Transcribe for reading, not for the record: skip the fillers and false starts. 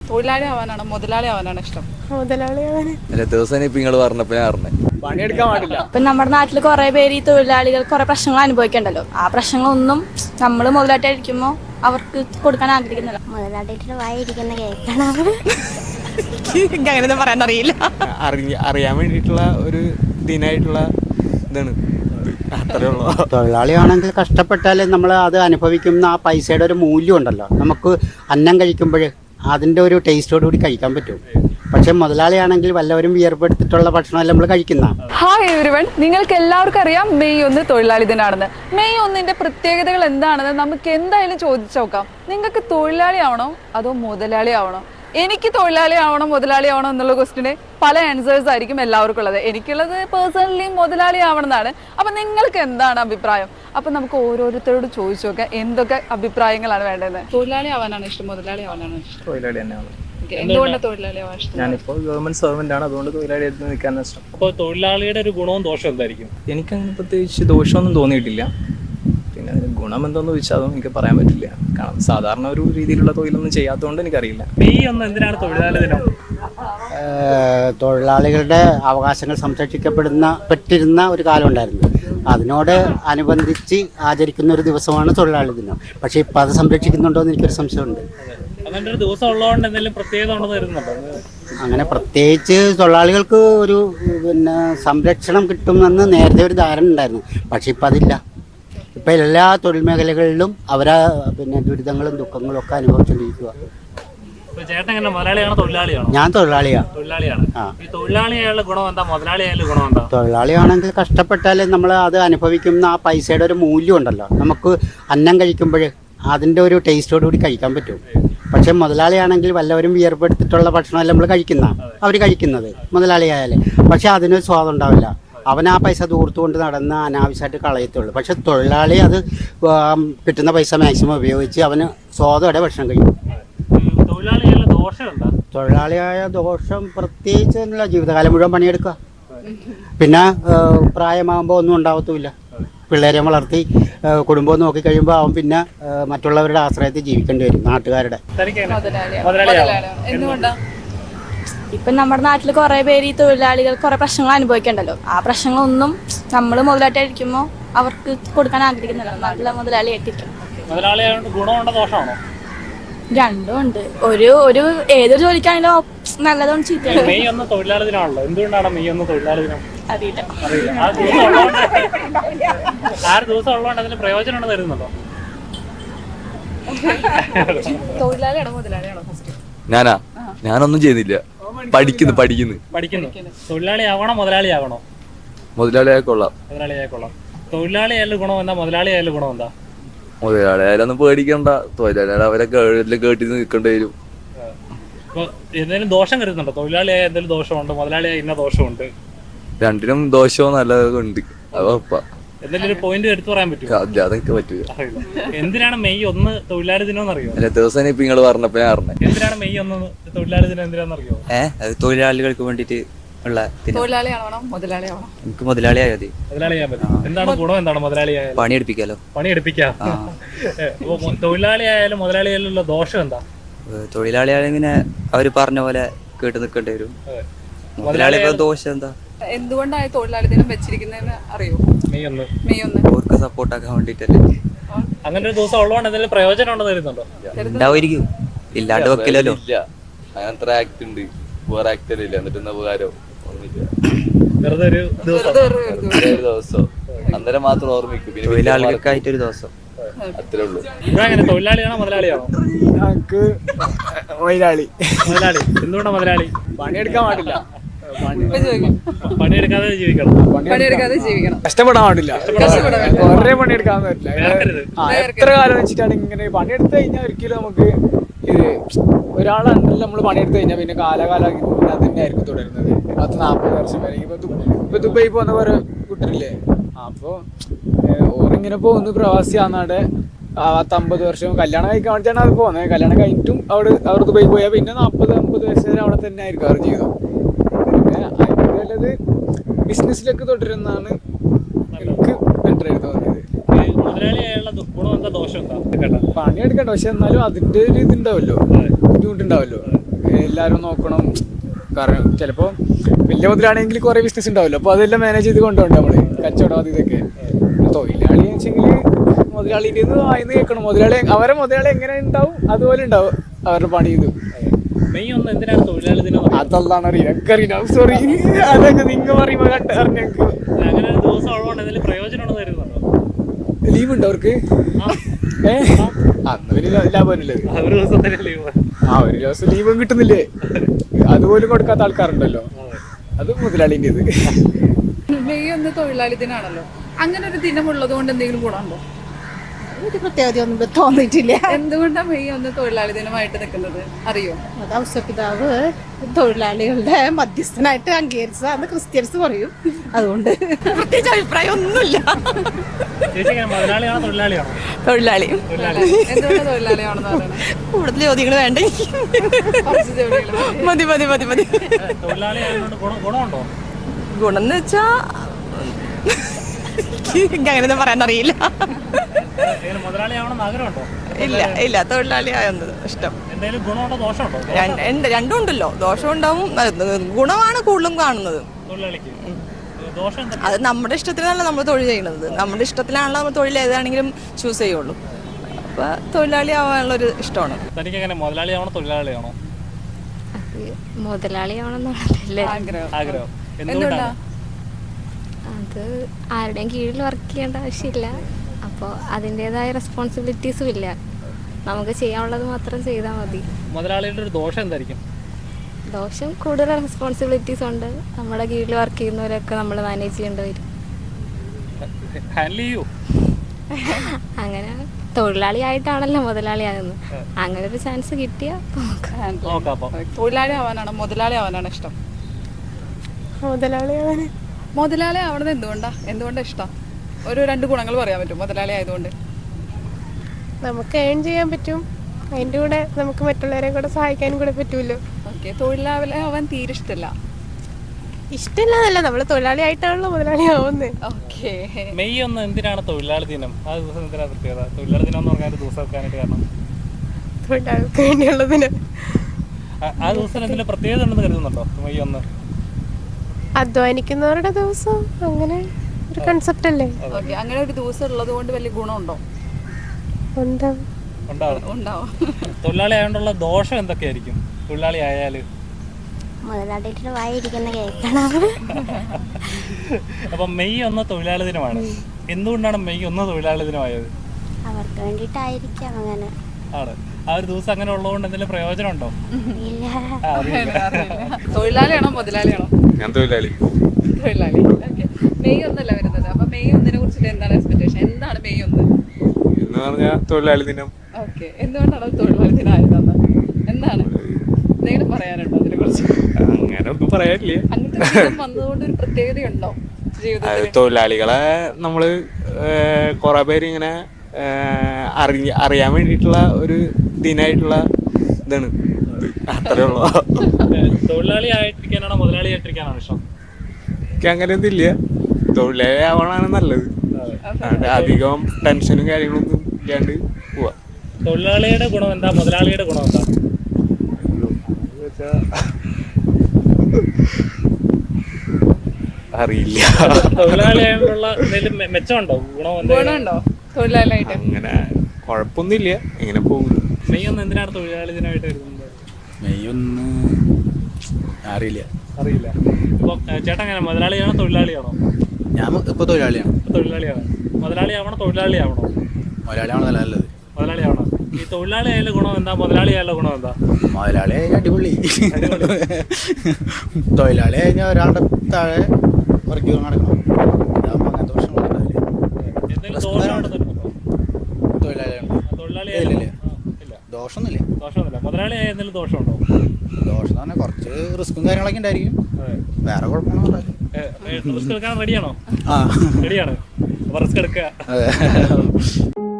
തൊഴിലാളി ആവാനാണോ മുതലാളി ആവാനാണോ ഇഷ്ടം? മുതലാളി ആവാന്. ദിവസം ഇപ്പൊ നിങ്ങൾ പറഞ്ഞപ്പോ ഞാൻ അറിഞ്ഞേ പണിയെടുക്കാൻ പാടില്ല. ഇപ്പം നമ്മുടെ നാട്ടിൽ കുറെ പേര് ഈ തൊഴിലാളികൾ കുറെ പ്രശ്നങ്ങൾ അനുഭവിക്കണ്ടല്ലോ. ആ പ്രശ്നങ്ങളൊന്നും നമ്മൾ മുതലായിട്ടായിരിക്കുമ്പോൾ അവർക്ക് കൊടുക്കാൻ ആഗ്രഹിക്കുന്നില്ല. മുതലാളിയുടെ വായിരിക്കുന്ന കേൾക്കണം. എനിക്ക് അങ്ങനെയൊന്നും പറയാൻ അറിയില്ല. അറിയാൻ വേണ്ടിയിട്ടുള്ള ഒരു ദിനായിട്ടുള്ള ഇതാണ്. അത്രേ ഉള്ളൂ. തൊഴിലാളിയാണെങ്കിൽ കഷ്ടപ്പെട്ടാൽ നമ്മൾ അത് അനുഭവിക്കുന്ന ആ പൈസയുടെ ഒരു മൂല്യം ഉണ്ടല്ലോ. നമുക്ക് അന്നം കഴിക്കുമ്പോൾ അതിൻ്റെ ഒരു ടേസ്റ്റോടുകൂടി കഴിക്കാൻ പറ്റും. പക്ഷെ മുതലാളിയാണെങ്കിൽ വല്ലവരും വിയർപ്പെടുത്തിട്ടുള്ള ഭക്ഷണമല്ല നമ്മൾ കഴിക്കുന്ന. ഹായ് എവരിവൺ, നിങ്ങൾക്ക് എല്ലാവർക്കും അറിയാം മെയ് 1 തൊഴിലാളി ദിനാണെന്ന്. മെയ് 1 പ്രത്യേകതകൾ എന്താണെന്ന് നമുക്ക് എന്തായാലും ചോദിച്ചു നോക്കാം. നിങ്ങൾക്ക് തൊഴിലാളി ആവണോ അതോ മുതലാളി ആവണോ? എനിക്ക് തൊഴിലാളി ആവണം മുതലാളി ആവണോ എന്നുള്ള ക്വസ്റ്റിന് പല ആൻസേഴ്സ് ആയിരിക്കും എല്ലാവർക്കും ഉള്ളത്. എനിക്കുള്ളത് പേഴ്സണലി മുതലാളി ആവണം എന്നാണ്. അപ്പം നിങ്ങൾക്ക് എന്താണ് അഭിപ്രായം? അപ്പം നമുക്ക് ഓരോരുത്തരോട് ചോദിച്ചു നോക്കാം എന്തൊക്കെ അഭിപ്രായങ്ങളാണ് വേണ്ടത്. തൊഴിലാളി ആവാനാണ് ഇഷ്ടം മുതലാളി ആവാനാണ് ഇഷ്ടം? തൊഴിലാളി തന്നെയാണ്. എന്തുകൊണ്ടാണ് തൊഴിലാളി ആവാൻ ഇഷ്ടം? ഞാനിപ്പോൾ ഗവൺമെന്റ് സർവന്റ് ആണ്, അതുകൊണ്ട് തൊഴിലാളി എടുത്ത് നിൽക്കാനാണ് ഇഷ്ടം. അപ്പോൾ തൊഴിലാളിയുടെ ഒരു ഗുണവും ദോഷവും എന്തായിരിക്കും? എനിക്കങ്ങനെ പ്രത്യേകിച്ച് ദോഷമൊന്നും തോന്നിയിട്ടില്ല. പിന്നെ അതിന് ഗുണം എന്താണെന്ന് ചോദിച്ചാൽ അതൊന്നും എനിക്ക് പറയാൻ പറ്റില്ല. കാരണം സാധാരണ ഒരു രീതിയിലുള്ള തൊഴിലൊന്നും ചെയ്യാത്തതുകൊണ്ട് എനിക്കറിയില്ല. മെയ് 1 എന്തിനാണ് തൊഴിലാളി ദിനം? തൊഴിലാളികളുടെ അവകാശങ്ങൾ സംരക്ഷിക്കപ്പെട്ടിരുന്ന ഒരു കാലം ഉണ്ടായിരുന്നു. അതിനോട് അനുബന്ധിച്ച് ആചരിക്കുന്ന ഒരു ദിവസമാണ് തൊഴിലാളി ദിനം. പക്ഷേ ഇപ്പം അത് സംരക്ഷിക്കുന്നുണ്ടോ എന്ന് എനിക്കൊരു സംശയമുണ്ട്. അങ്ങനെ ഒരു ദിവസം ഉള്ളതുകൊണ്ട് എന്തെങ്കിലും പ്രത്യേകത ഉണ്ടെന്ന് വരുന്നുണ്ടോ? അങ്ങനെ പ്രത്യേകിച്ച് തൊഴിലാളികൾക്ക് ഒരു സംരക്ഷണം കിട്ടുമെന്ന് നേരത്തെ ഒരു ധാരണ ഉണ്ടായിരുന്നു. പക്ഷെ ഇപ്പം അതില്ല. ഇപ്പം എല്ലാ തൊഴിൽ മേഖലകളിലും അവരാ ദുരിതങ്ങളും ദുഃഖങ്ങളും ഒക്കെ അനുഭവിച്ചുകൊണ്ടിരിക്കുക. ചേട്ടൻ എങ്ങനെ മുതലാളിയാണോ തൊഴിലാളിയാണോ? ഞാൻ തൊഴിലാളിയാണ്. തൊഴിലാളിയാണ്. ഈ തൊഴിലാളിയായുള്ള ഗുണം എന്താ, മുതലാളിയായാലും ഗുണം എന്താ? തൊഴിലാളിയാണെങ്കിൽ കഷ്ടപ്പെട്ടാൽ നമ്മൾ അത് അനുഭവിക്കുന്ന ആ പൈസയുടെ ഒരു മൂല്യം ഉണ്ടല്ലോ. നമുക്ക് അന്നം കഴിക്കുമ്പോൾ അതിൻ്റെ ഒരു ടേസ്റ്റോടുകൂടി കഴിക്കാൻ പറ്റും. പക്ഷെ മുതലാളിയാണെങ്കിൽ വല്ലവരും വിയർപ്പെടുത്തിട്ടുള്ള ഭക്ഷണമല്ല നമ്മൾ അവർ കഴിക്കുന്നത് മുതലാളിയായാൽ. പക്ഷെ അതിനൊരു സ്വാദം ഉണ്ടാവില്ല. അവൻ ആ പൈസ ദൂർത്തുകൊണ്ട് നടന്ന് അനാവശ്യമായിട്ട് കളയത്തുള്ളൂ. പക്ഷെ തൊഴിലാളി അത് കിട്ടുന്ന പൈസ മാക്സിമം ഉപയോഗിച്ച് അവന് സ്വാദോടെ ഭക്ഷണം കഴിക്കും. തൊഴിലാളിയായ ദോഷം പ്രത്യേകിച്ച് എന്നുള്ള ജീവിതകാലം മുഴുവൻ പണിയെടുക്കുക. പിന്നെ പ്രായമാകുമ്പോൾ ഒന്നും ഉണ്ടാവത്തുമില്ല. പിള്ളേരെ വളർത്തി കുടുംബം നോക്കി കഴിയുമ്പോൾ അവൻ പിന്നെ മറ്റുള്ളവരുടെ ആശ്രയത്തിൽ ജീവിക്കേണ്ടി വരും, നാട്ടുകാരുടെ. ഇപ്പം നമ്മുടെ നാട്ടിൽ കുറെ പേര് ഈ തൊഴിലാളികൾ കുറെ പ്രശ്നങ്ങൾ അനുഭവിക്കണ്ടല്ലോ. ആ പ്രശ്നങ്ങളൊന്നും നമ്മൾ മുതലായിട്ടായിരിക്കുമ്പോൾ അവർക്ക് കൊടുക്കാൻ ആഗ്രഹിക്കുന്നില്ല. നാട്ടിലെ മുതലാളി ആയിട്ടിരിക്കും. മുതലാളിയായതുകൊണ്ട് ഗുണമുണ്ടോ ദോഷമാണോ? രണ്ടും ഉണ്ട്. ഒരു ഏതൊരു ജോലിക്കാണെങ്കിലും നല്ലതും ചീത്തയാണ്. മെയ് 1 തൊഴിലാളി ദിനമാണല്ലോ. എന്തുകൊണ്ടാണ് മെയ് 1 തൊഴിലാളി ദിനം? അറിയില്ല. ആ ദിവസം ഉള്ളതുകൊണ്ട് അതിന് പ്രയോജനം ഉണ്ടെന്ന് വരുന്നുണ്ടോ? തൊഴിലാളിയാണോ മുതലാളിയാണോ? ഞാനാ ഞാനൊന്നും ചെയ്യുന്നില്ല. പഠിക്കുന്നു. തൊഴിലാളി ആവണോ മുതലാളി ആവണോ? മുതലാളിയായ കൊള്ളാം. തൊഴിലാളി ആയാലും ഗുണം എന്താ, മുതലാളി ആയാലും ഗുണം എന്താ? മുതലാളിയായാലൊന്നും പേടിക്കണ്ട. തൊഴിലാളികൾ അവരെ കേട്ടി നിൽക്കേണ്ടി വരും. ഇപ്പൊ എന്തെങ്കിലും ദോഷം കരുതുന്നുണ്ടോ? തൊഴിലാളിയായ എന്തെങ്കിലും ദോഷമുണ്ട്, മുതലാളിയായ ഇന്ന ദോഷമുണ്ട്? രണ്ടിനും ദോഷവും നല്ലതൊക്കെ ഉണ്ട്. അത് എന്തെങ്കിലും ഒരു പോയിന്റ് എടുത്തു പറയാൻ പറ്റുമോ? അതൊക്കെ പറ്റൂല. എന്തിനാണ് മെയ് 1 തൊഴിലാളി ദിനം എന്നറിയോ? ദിവസം ഇപ്പൊ നിങ്ങൾ പറഞ്ഞപ്പോ ഞാൻ അറിഞ്ഞേ. എന്തിനാണ് മെയ് 1 തൊഴിലാളി ദിനം എന്തിനാണെന്നറിയോ? അത് തൊഴിലാളികൾക്ക് വേണ്ടിട്ട് ഉള്ള. തൊഴിലാളിയാണോ മുതലാളിയാണോ? എനിക്ക് മുതലാളിയായ മതി. മുതലാളിയാൻ പറ്റും. എന്താണ് ഗുണം, എന്താണ് മുതലാളിയായാലും? പണിയെടുപ്പിക്കാം. തൊഴിലാളിയായാലും മുതലാളിയായാലും ഉള്ള ദോഷം എന്താ? തൊഴിലാളിയായാലും ഇങ്ങനെ അവര് പറഞ്ഞ പോലെ കേട്ട് നിൽക്കേണ്ടി വരും. മുതലാളിയുടെ ദോഷം എന്താ? എന്തുകൊണ്ടാണ് തൊഴിലാളി ദിനം വെച്ചിരിക്കുന്നതെന്ന് അറിയോ? മെയ് 1 അവർക്ക് സപ്പോർട്ടാക്കാൻ വേണ്ടിട്ടല്ലേ. അങ്ങനെ ഒരു ദിവസം ഉള്ളതുകൊണ്ട് എന്തെങ്കിലും പ്രയോജനം ഉണ്ടെന്ന് വരുന്നുണ്ടോ? ഉണ്ടാവുമായിരിക്കും, ഇല്ലാണ്ട് വെക്കില്ലല്ലോ. അങ്ങനത്തെ ആക്ട് ഉണ്ട്, വേറെ ആക്ട് ഇല്ല. എന്നിട്ട് ഉപകാരം വെറുതെ ഒരു ദിവസം അന്നേരം മാത്രം ഓർമ്മിക്കും. തൊഴിലാളികൾക്കായിട്ടൊരു ദിവസം, അത്രേ ഉള്ളൂ. ഇങ്ങനെ തൊഴിലാളിയാണോ മുതലാളിയാണോ? ഞങ്ങൾക്ക് മുതലാളി. എന്തുകൊണ്ടാണ് മുതലാളി? പണിയെടുക്കാൻ പാടില്ല. പണിയെടുക്കാതെ ജീവിക്കണം. കഷ്ടപ്പെടാൻ പാടില്ല. കുറെ പണിയെടുക്കാൻ പറ്റില്ല. എത്ര കാലം വെച്ചിട്ടാണ് ഇങ്ങനെ പണിയെടുത്ത് കഴിഞ്ഞാൽ ഒരിക്കലും നമുക്ക് ഇത് ഒരാളാണല്ലോ നമ്മൾ പണിയെടുത്ത് കഴിഞ്ഞാൽ പിന്നെ കാലാകാലം അത് തന്നെ ആയിരിക്കും തുടരുന്നത്. 40 വർഷം വരെ. ഇപ്പൊ ദുബായി പോകുന്ന പോലെ കുട്ടരില്ലേ, അപ്പൊ ഓറിങ്ങനെ പോകുന്നു പ്രവാസി ആന്നാടെ 50 വർഷം കല്യാണം കഴിക്കാൻ വേണ്ടിയിട്ടാണ് അത് പോകുന്നത്. കല്യാണം കഴിഞ്ഞിട്ടും അവർ ദുബായി പോയാൽ പിന്നെ 40-50 വയസ്സ് വരെ അവിടെ തന്നെ ആയിരിക്കും അവർ ജീവിതം. പിന്നെ അതിന് നല്ലത് ബിസിനസ്സിലേക്ക് തുടരുന്നതാണ് എനിക്ക് ബെറ്റർ ആയിട്ട് തോന്നിയത്. പണിയെടുക്കട്ടെ, പക്ഷെ എന്നാലും അതിന്റെ ഒരു ഇതുണ്ടാവല്ലോ, ബുദ്ധിമുട്ടുണ്ടാവല്ലോ. എല്ലാവരും നോക്കണം. കാരണം ചിലപ്പോൾ വലിയ മുതലാണെങ്കിൽ കുറേ ബിസിനസ് ഉണ്ടാവില്ല, അപ്പോൾ അതെല്ലാം മാനേജ് ചെയ്ത് കൊണ്ടുപോകണം നമ്മൾ, കച്ചവടം അത് ഇതൊക്കെ. തൊഴിലാളി എന്ന് വെച്ചെങ്കിൽ മുതലാളിൻ്റെ വായിന്ന് കേൾക്കണം. മുതലാളി എങ്ങനെ ഉണ്ടാവും അതുപോലെ ഉണ്ടാവും അവരുടെ പണി. ഇത് മെയ് 1 എന്തിനാണ് തൊഴിലാളി ദിനം? അതല്ലാണ് അറിയാം. സോറി, അതൊക്കെ നിങ്ങൾ പറയുമ്പോൾ അറിഞ്ഞു. അങ്ങനെ ഒരു ദിവസം ഉള്ളതുകൊണ്ട് എന്തെങ്കിലും പ്രയോജനമാണെന്ന് കരുതുന്നുണ്ടോ? ലീവ് ഉണ്ടോ അവർക്ക്? അന്ന് വലിയ ലാഭമല്ലേ ഒരു ദിവസത്തിന് ലീവ്? ഒരു ദിവസം ലീവും കിട്ടുന്നില്ലേ, അതുപോലും കൊടുക്കാത്ത ആൾക്കാരുണ്ടല്ലോ. അത് മുതലാളിൻ്റെ ഇത്. മെയ് 1 തൊഴിലാളി ദിനാണല്ലോ. അങ്ങനെ ഒരു ദിനം ഉള്ളത് കൊണ്ട് എന്തെങ്കിലും ഗുണമുണ്ടോ? ഒരു പ്രത്യേകത ഒന്നും തോന്നിയിട്ടില്ല. എന്തുകൊണ്ടാണ് മെയ് 1 തൊഴിലാളി ദിനമായിട്ട് നിൽക്കുന്നത് അറിയോ? അത് ഔസപിതാവ് തൊഴിലാളികളുടെ മധ്യസ്ഥനായിട്ട് അംഗീകരിച്ചതാന്ന് ക്രിസ്ത്യൻസ് പറയും. അതുകൊണ്ട് പ്രത്യേകിച്ച് അഭിപ്രായം ഒന്നുമില്ല. ചേച്ചി എങ്ങനെ, മുതലാളിയാണോ തൊഴിലാളിയാണോ? തൊഴിലാളി. തൊഴിലാളി. എന്തുകൊണ്ട് തൊഴിലാളിയാണെന്ന് പറയുന്നത്? കൂടുതൽ ചോദ്യങ്ങൾ വേണ്ട, കുറച്ച് ജോലികൾ മതി. മതി. തൊഴിലാളി ആയതുകൊണ്ട് ഗുണമുണ്ടോ? ഗുണം എന്ന് വെച്ചാ എനിക്ക് അങ്ങനെയൊന്നും പറയാൻ അറിയില്ല. എങ്ങനെ മുതലാളിയാവണമെന്ന് ആഗ്രഹമുണ്ടോ? ഇല്ല, തൊഴിലാളി ആയെന്നത് ഇഷ്ടം. എന്തെങ്കിലും ഗുണമുണ്ടോ ദോഷമുണ്ടോ? രണ്ടും ഉണ്ടല്ലോ, ദോഷം ഉണ്ടാവും. ഗുണമാണ് കൂടുതലും കാണുന്നത് തൊഴിലാളിക്ക് ദോഷം എന്താ? അത് നമ്മുടെ ഇഷ്ടത്തിനല്ല നമ്മൾ തൊഴിൽ ചെയ്യുന്നത്. നമ്മുടെ ഇഷ്ടത്തിലാണല്ലോ നമ്മൾ തൊഴിൽ ഏതാണെങ്കിലും ചൂസ് ചെയ്യുള്ളൂ. അപ്പൊ തൊഴിലാളി ആവാനുള്ളൊരു ഇഷ്ടമാണ്. തനിക്ക് എങ്ങനെ, മുതലാളിയാവണോ തൊഴിലാളിയാണോ? മുതലാളിയാവണമെന്നുള്ളതല്ലേ ആഗ്രഹം. എന്തുകൊണ്ടാണ്? അത് ആരുടെയും കീഴിൽ വർക്ക് ചെയ്യേണ്ട ആവശ്യമില്ല. അപ്പോൾ അതിൻ്റെതായ റെസ്പോൺസിബിലിറ്റീസും ഇല്ല. നമുക്ക് ചെയ്യാനുള്ളത് മാത്രം ചെയ്താൽ മതി. മുതലാളിയുടെ ഒരു ദോഷം എന്തായിരിക്കും? ദോഷം കൂടുതൽ റെസ്പോൺസിബിലിറ്റീസ് ഉണ്ട്. നമ്മുടെ കീഴിൽ വർക്ക് ചെയ്യുന്നവരൊക്കെ നമ്മൾ മാനേജ് ചെയ്യേണ്ടി വരും. ഹാൻഡിൽ ചെയ്യൂ. അങ്ങനെ തൊഴിലാളിയായിട്ടാണല്ലോ മുതലാളിയാകുന്നത്. അങ്ങനെ ഒരു ചാൻസ് കിട്ടിയാൽ നോക്കാം. അപ്പം തൊഴിലാളി ആവാനാണോ മുതലാളി ആവാനാണോ ഇഷ്ടം? മുതലാളി ആവണത് എന്തുകൊണ്ടാണ് ഇഷ്ടം? ഒരു 2 ഗുണങ്ങൾ പറയാൻ പറ്റും മുതലാളി ആയതുകൊണ്ട്? നമുക്ക് ഏൺ ചെയ്യാൻ പറ്റും, അതിൻ്റെ കൂടെ നമുക്ക് മറ്റുള്ളവരെ കൂടെ സഹായിക്കാനും കൂടെ പറ്റുമല്ലോ. ഓക്കെ. തൊഴിലാളി ആവാൻ തീരെ ഇഷ്ടമല്ല? ഇഷ്ടമില്ലാന്നല്ല, നമ്മൾ തൊഴിലാളി ആയിട്ടാണല്ലോ മുതലാളി ആവുന്നത്. ഓക്കെ. മെയ് 1 എന്തിനാണ് തൊഴിലാളി ദിനം? ആ ദിവസം എന്തിനാണ് പ്രത്യേകത? തൊഴിലാളി ദിനം എന്ന് പറഞ്ഞാൽ ഒരു ദിവസം വെക്കാനായിട്ട് കാരണം തൊഴിലാളികൾക്ക് വേണ്ടിയുള്ളതിന്. ആ ദിവസം എന്തെങ്കിലും പ്രത്യേകത ഉണ്ടെന്ന് കരുതുന്നുണ്ടോ? മെയ് 1 അധ്വാനിക്കുന്നവരുടെ ദിവസം, അങ്ങനെ ഒരു കൺസെപ്റ്റ് അല്ലേ? ഓക്കെ. അങ്ങനെ ഒരു ദിവസം ഉള്ളത് കൊണ്ട് വലിയ ഗുണമുണ്ടോ? ഉണ്ടാവും. തൊഴിലാളി ആയതുകൊണ്ടുള്ള ദോഷം എന്തൊക്കെയായിരിക്കും തൊഴിലാളി ആയാല്? മുതലാളിയുടെ വായിരിക്കുന്ന കേൾക്കണം. അപ്പൊ മെയ് 1 തൊഴിലാളി ദിനമാണ്. എന്തുകൊണ്ടാണ് മെയ് 1 തൊഴിലാളി ദിനമായത്? അവർക്ക് വേണ്ടിയിട്ടായിരിക്കാം അങ്ങനെ. ആണ്. ആ ഒരു ദിവസം അങ്ങനെ ഉള്ളതുകൊണ്ട് എന്തെങ്കിലും പ്രയോജനം ഉണ്ടോ? തൊഴിലാളിയാണോ മുതലാളിയാണോ? ഞാൻ തൊഴിലാളി. ഓക്കെ. മെയ് 1 അല്ല വരുന്നത്. അപ്പൊ മെയ് 1 കുറിച്ചിട്ട് എന്താണ് എക്സ്പെക്ടേഷൻ? എന്താണ് മെയ് 1 എന്ന് പറഞ്ഞാൽ തൊഴിലാളി ദിനം. ഓക്കെ. എന്തുകൊണ്ടാണ് തൊഴിലാളി ദിനമായത്? എന്താണ് എന്തെങ്കിലും പറയാനുണ്ടോ അതിനെ കുറിച്ച്? അങ്ങനെ ഒന്നും പറയാനില്ല. അങ്ങനത്തെ ദിനം വന്നതുകൊണ്ട് ഒരു പ്രത്യേകതയുണ്ടോ ജീവിതത്തിൽ? തൊഴിലാളികളെ നമ്മള് കുറെ പേര് ഇങ്ങനെ അറിയാൻ വേണ്ടിയിട്ടുള്ള ഒരു ദിനായിട്ടുള്ള ഇതാണ്. അത്രേ ഉള്ളൂ. തൊഴിലാളി ആയിട്ടിരിക്കാനാണോ മുതലാളി ആയിട്ടിരിക്കാനാണോ ഇഷ്ടം? എനിക്ക് അങ്ങനെ ഒന്നും ഇല്ല. തൊഴിലാളി ആവണാണ് നല്ലത്. അധികം ടെൻഷനും കാര്യങ്ങളൊന്നും ഇല്ലാണ്ട് പോവാ. തൊഴിലാളിയുടെ ഗുണം എന്താ, മുതലാളിയുടെ ഗുണം എന്താ? അറിയില്ല. തൊഴിലാളി ആയിട്ടുള്ള എന്തെങ്കിലും മെച്ചമുണ്ടോ, ഗുണമുണ്ടോ തൊഴിലാളിയായിട്ട്? അങ്ങനെ കുഴപ്പമൊന്നുമില്ല, ഇങ്ങനെ പോകുന്നു. മെയ് 1 എന്തിനാണ് തൊഴിലാളി ദിനമായിട്ട് വരുന്നത്? മെയ് 1 അറിയില്ല. ഇപ്പൊ ചേട്ടൻ എങ്ങനെ, മുതലാളിയാണോ തൊഴിലാളിയാണോ? ഞാൻ ഇപ്പൊ തൊഴിലാളിയാണ്. തൊഴിലാളിയാണ്. മുതലാളി ആവണോ തൊഴിലാളി ആവണോ? മുതലാളിയാണോ നല്ലത്? മുതലാളി ആവണം. ഈ തൊഴിലാളി ആയാലും ഗുണം എന്താ, മുതലാളി ആയാലും ഗുണം എന്താ? മുതലാളി അടിപൊളി. തൊഴിലാളി കഴിഞ്ഞാൽ ഒരാളുടെ താഴെ വർക്ക് നടക്കണം. അങ്ങനത്തെ പ്രശ്നങ്ങളുണ്ടാവില്ല. എന്തെങ്കിലും ദോഷമുണ്ടോ? തൊഴിലാളി ദോഷമൊന്നുമില്ല. മുതലാളി ആയ എന്തെങ്കിലും ദോഷമുണ്ടോ? ദോഷം എന്ന് പറഞ്ഞാൽ കുറച്ച് റിസ്ക്കും കാര്യങ്ങളൊക്കെ ഉണ്ടായിരിക്കും. വേറെ കുഴപ്പമൊന്നും റിസ്ക് എടുക്കാൻ റെഡിയാണോ? ആ റെഡിയാണ്. അപ്പൊ റിസ്ക് എടുക്കുക. അതെ.